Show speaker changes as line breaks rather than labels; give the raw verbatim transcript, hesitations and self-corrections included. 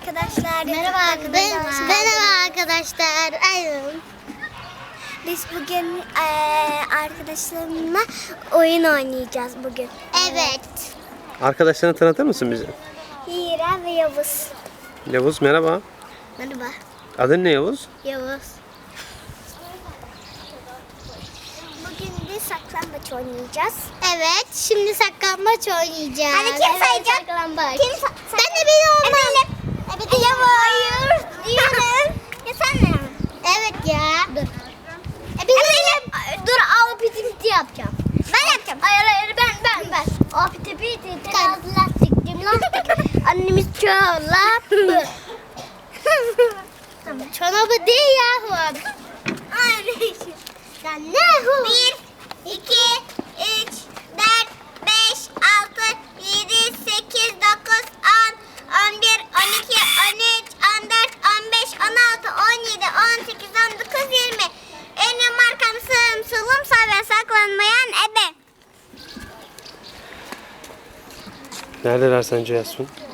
arkadaşlar.
Merhaba arkadaşlar. Merhaba arkadaşlar. Aynen.
Biz bugün eee, arkadaşlarımla oyun oynayacağız bugün.
Evet.
Arkadaşlarını tanıtır mısın bize?
Hira ve Yavuz.
Yavuz merhaba.
Merhaba.
Adın ne Yavuz?
Yavuz.
Bugün de saklambaç oynayacağız.
Evet. Şimdi saklambaç oynayacağız.
Hadi kim
Evet,
sayacak?
saklambaç.
Kim sa-
Ben de benim olmam.
Eminim.
Evet.
Yavuz. Hayır. Diyorum. Ya sen ne?
Evet ya. Dur.
E, Eminim. Dur al piti piti yapacağım. Ben yapacağım. Hayır hayır ben ben ben. Al piti piti. Biraz lastik. Lastik. Annemiz çorap.
Tamam. Çorabı değil yahu.
Sen ne hu? Bir, iki, üç, dört, beş, altı, yedi, sekiz, dokuz, on, on bir, on iki, on üç, on dört, on beş, on altı, on yedi, on sekiz, on dokuz, yirmi. Önüm arkam sığım solum sağ ve saklanmayan ebe.
Neredeler sence Yasmin?